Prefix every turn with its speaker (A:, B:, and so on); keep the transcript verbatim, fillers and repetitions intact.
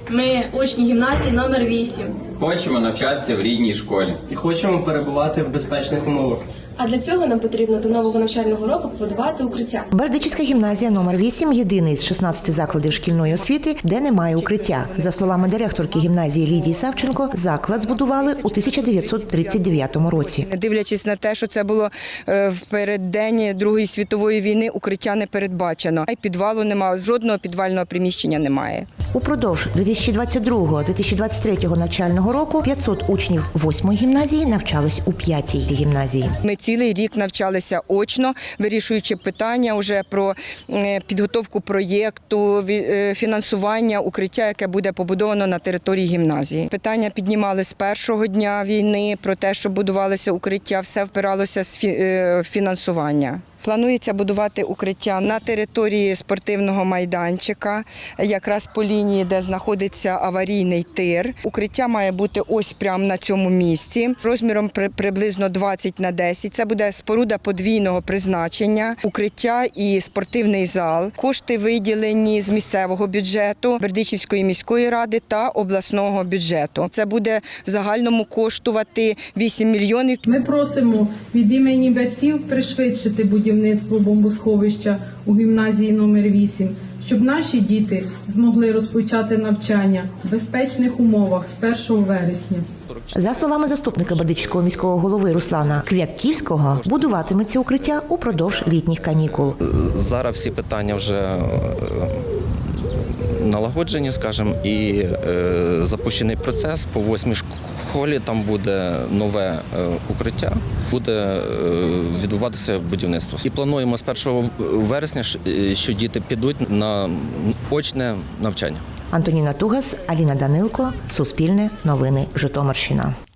A: Ми учні гімназії номер вісім.
B: Хочемо навчатися в рідній школі.
C: І хочемо перебувати в безпечних умовах.
D: А для цього нам потрібно до нового навчального року побудувати укриття.
E: Бердичівська гімназія номер вісім – єдиний з шістнадцяти закладів шкільної освіти, де немає укриття. За словами директорки гімназії Лідії Савченко, заклад збудували у тисяча дев'ятсот тридцять дев'ятому році.
F: Дивлячись на те, що це було в переддень Другої світової війни, укриття не передбачено. І підвалу немає, жодного підвального приміщення немає.
E: Упродовж дві тисячі двадцять другого - дві тисячі двадцять третього навчального року п'ятсот учнів восьмої гімназії навчались у п'ятій гімназії.
F: Ми цілий рік навчалися очно, вирішуючи питання вже про підготовку проєкту, фінансування укриття, яке буде побудовано на території гімназії. Питання піднімали з першого дня війни про те, що будувалося укриття, все впиралося в фінансування. Планується будувати укриття на території спортивного майданчика, якраз по лінії, де знаходиться аварійний тир. Укриття має бути ось прямо на цьому місці, розміром приблизно двадцять на десять. Це буде споруда подвійного призначення, укриття і спортивний зал. Кошти виділені з місцевого бюджету, Бердичівської міської ради та обласного бюджету. Це буде в загальному коштувати вісім мільйонів.
G: Ми просимо від імені батьків пришвидшити будівництво бомбосховища у гімназії номер вісім, щоб наші діти змогли розпочати навчання в безпечних умовах з першого вересня.
E: За словами заступника Бердичівського міського голови Руслана Квятківського, будуватиметься укриття упродовж літніх канікул.
H: Зараз всі питання вже налагоджені, скажімо, і е, запущений процес. По восьмій школі там буде нове е, укриття, буде е, відбуватися будівництво. І плануємо з першого вересня, що діти підуть на очне навчання.
E: Антоніна Тугас, Аліна Данилко, Суспільне, Новини, Житомирщина.